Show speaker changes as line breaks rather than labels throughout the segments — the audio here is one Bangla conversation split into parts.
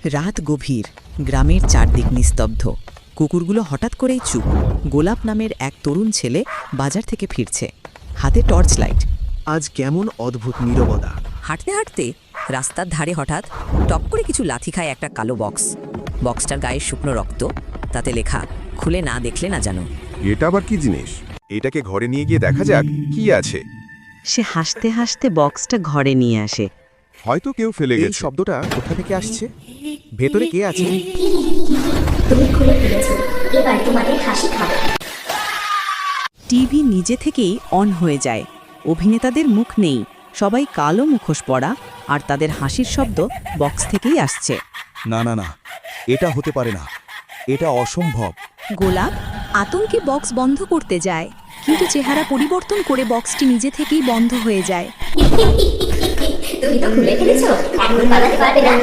রাত গভীর, গ্রামের চারদিক নিস্তব্ধ। কুকুরগুলো হঠাৎ করেই চুপ। গোলাপ নামের এক তরুণ ছেলে বাজার থেকে ফিরছে, হাতে টর্চ লাইট।
আজ কেমন অদ্ভুত নীরবতা।
হাঁটতে হাঁটতে রাস্তার ধারে হঠাৎ টপ করে কিছু লাথি খায় একটা কালো বক্স। বক্সটার গায়ে শুকনো রক্ত, তাতে লেখা খুলে না দেখলে না জানো।
এটা আবার কি জিনিস? এটাকে ঘরে নিয়ে গিয়ে দেখা যাক কি আছে।
সে হাসতে হাসতে বক্সটা ঘরে নিয়ে আসে।
হয়তো কেউ ফেলে
এই
গেছে।
শব্দটা কোথা থেকে আসছে? ভেতরে কে আছে?
তুমি খুলে ফেলেছো, এবার তোমাদের হাসি খাবো।
টিভি নিজে থেকেই অন হয়ে যায়। অভিনেতাদের মুখ নেই, সবাই কালো মুখোশ পরা, আর তাদের হাসির শব্দ বক্স থেকেই আসছে।
না না না, এটা হতে পারে না, এটা অসম্ভব।
গোলাপ আতঙ্কে বক্স বন্ধ করতে যায়, কিন্তু চেহারা পরিবর্তন করে বক্সটি নিজে থেকেই বন্ধ হয়ে যায়।
তুমি তো খুলে ফেলেছো, এখন পালাতে পারবে না।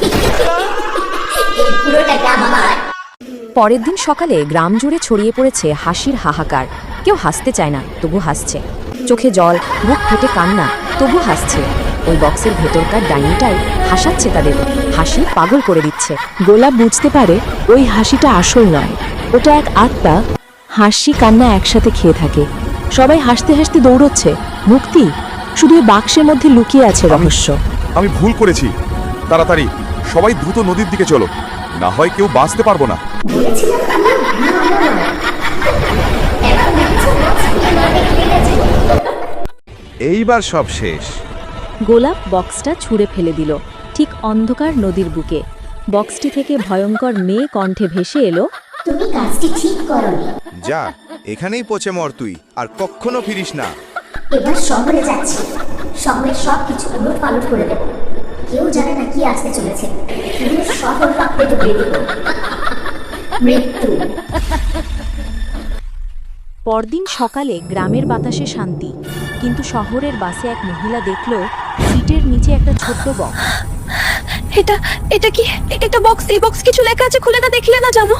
এই পুরোটা গ্রাম আমার।
পরের দিন সকালে গ্রাম জুড়ে ছড়িয়ে পড়েছে হাসির হাহাকার। কেউ হাসতে চায় না, তবু হাসছে। চোখে জল, বুক ফেটে কান্না, তবু হাসছে। ওই বক্সের ভেতরকার ডাইনিটাই হাসাচ্ছে তাদের, হাসি পাগল করে দিচ্ছে।
গোলাপ বুঝতে পারে ওই হাসিটা আসল নয়, ওটা এক আত্মা হাসি কান্না একসাথে খেয়ে থাকে। সবাই হাসতে হাসতে দৌড়চ্ছে, মুক্তি শুধু ওই বাক্সের মধ্যে লুকিয়ে আছে রহস্য।
আমি ভুল করেছি। তাড়াতাড়ি সবাই দ্রুত নদীর দিকে চলো, না হয় কেউ বাঁচতে পারবো না।
বলেছিলাম আমি, এখন দেখছো বক্স খুলে না দেখলে গেছে।
এইবার সব শেষ।
গোলাপ বক্সটা ছুঁড়ে ফেলে দিল ঠিক অন্ধকার নদীর বুকে। বক্সটি থেকে ভয়ঙ্কর মেয়ে কণ্ঠে ভেসে এলো,
তুমি কাজটি ঠিক করনি।
যা, এখানেই পচে মর তুই, আর কখনো ফিরিস না।
এবার শহরে যাচ্ছি, শহরের সব কিছু উলট পালট করে দেবো। কেউ জানে না কি আসতে চলেছে। পুরো শহর কাঁপতে ডুবিয়ে দেবো। মৃত্যু।
পরদিন সকালে গ্রামের বাতাসে শান্তি, কিন্তু শহরের বাসে এক মহিলা দেখল সিটের নিচে একটা ছোট্ট বক্স।
এটা কি? এটা বক্স, এই বক্স কিছু লেখা আছে, খুলে না দেখলে না জানো।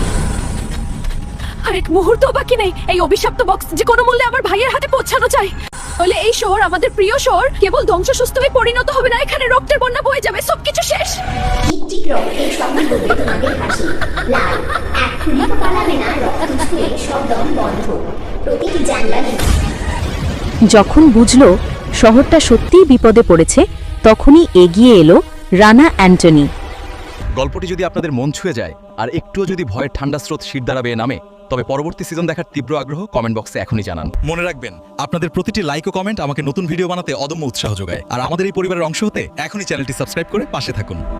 আরেক মুহূর্ত বাকি নেই, এই অভিশপ্ত বক্স যে কোনো মূল্যে আমার ভাইয়ের হাতে পৌঁছানো চাই। তাহলে এই শহর, আমাদের প্রিয় শহর, কেবল ধ্বংসস্তূপে হয়ে পরিণত হবে না, এখানে রক্তের বন্যা বয়ে যাবে, সবকিছু শেষ।
টিকটিক রক্তের সমান হবে তোমাদের হাসি। লাল, এখনই তো পালাবে না, রক্ত ছুঁয়ে সব দম বন্ধ। প্রতিটি জানলা।
যখন বুঝল শহরটা সত্যিই বিপদে পড়েছে, তখনই এগিয়ে এলো রানা অ্যান্টনি।
গল্পটি যদি আপনাদের মন ছুঁয়ে যায় আর একটুও যদি ভয়ের ঠান্ডা স্রোত শিরদাঁড়া বেয়ে নামে, তবে পরবর্তী সিজন দেখার তীব্র আগ্রহ কমেন্ট বক্সে এখনই জানান। মনে রাখবেন, আপনাদের প্রতিটি লাইক ও কমেন্ট আমাকে নতুন ভিডিও বানাতে অদম্য উৎসাহ যোগায়। আর আমাদের এই পরিবারের অংশ হতে এখনই চ্যানেলটি সাবস্ক্রাইব করে পাশে থাকুন।